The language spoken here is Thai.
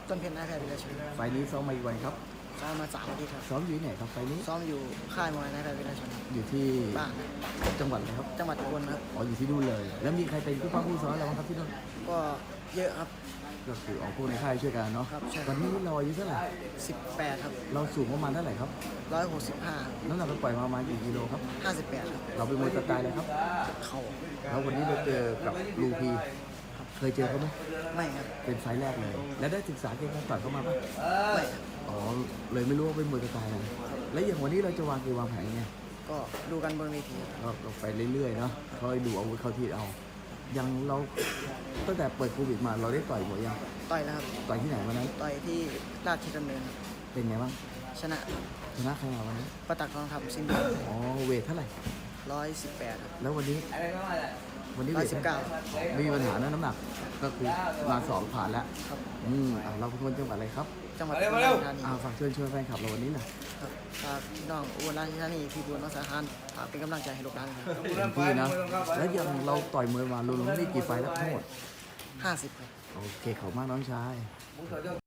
ต้นเพชรนายแพทย์วิรชนไฟล์นี้ซ้อมมาอีกวันครับซ้อมมา3 อาทิตย์ครับซ้อมอยู่ที่ไหนครับไฟล์นี้ซ้อมอยู่ค่ายมวยนายแพทย์วิรชนอยู่ที่บ้านจังหวัดอะไรครับจังหวัดอุบลครับอ๋ออยู่ที่นู่นเลย แล้วมีใครเป็นผู้ป้องผู้ซ้อมเราบ้างครับที่นู่นก็เยอะครับก็คือออกพวกในค่ายช่วยกันเนาะครับใช่วันนี้เราอายุเท่าไหร่ 18ครับเราสูงประมาณเท่าไหร่ครับ 165 น้ำหนักเราปล่อยมาประมาณกี่กิโลครับ 58ครับเราเป็นมวยสไตล์อะไรครับเข่าแล้ววันนี้เราเจอกับลูพีเคยเจอเขาไหมไม่ครับเป็นไฟล์แรกเลย แล้วได้ศึกษาเกมการต่อยเขามาปะไม่ครับอ๋อเลยไม่รู้ว่าเป็นมวยสไตล์อะไรแล้วอย่างวันนี้เราจะวางเกมวางแผนยังไงก็ดูกันบนเวทีครับเราไปเรื่อยๆเนาะคอยดูอาวุธเข้าที่เอายังเราตั้งแต่เปิดโควิดมาเราได้ต่อยหมดยังต่อยแล้วครับต่อยที่ไหนวันนั้นต่อยที่ราชดำเนินครับเป็นไงบ้างชนะชนะใครมาวันนั้นประตักทองคำสิ้นเดือ๋อเวทเท่าไหร่ 118ครับแล้ววันนี้เวทเท่าไหร่ 119 ไม่มีปัญหานะน้ำหนักก็คือมาสองผ่านแล้วครับเราเป็นคนจังหวัดอะไรครับจังหวัดอุบลราชธานีฝากเชิญชวนแฟนคลับเราวันนี้หน่อยครับฝากพี่น้องอุบลราชธานีพี่บุญรักษาหารฝากเป็นกำลังใจให้ลูกหลานครับเต็มที่นะ แล้วยังเราต่อยมวยมารวมๆนี่กี่ไฟล์แล้วทั้งหมด 50ครับโอเคขอบคุณมากน้องชาย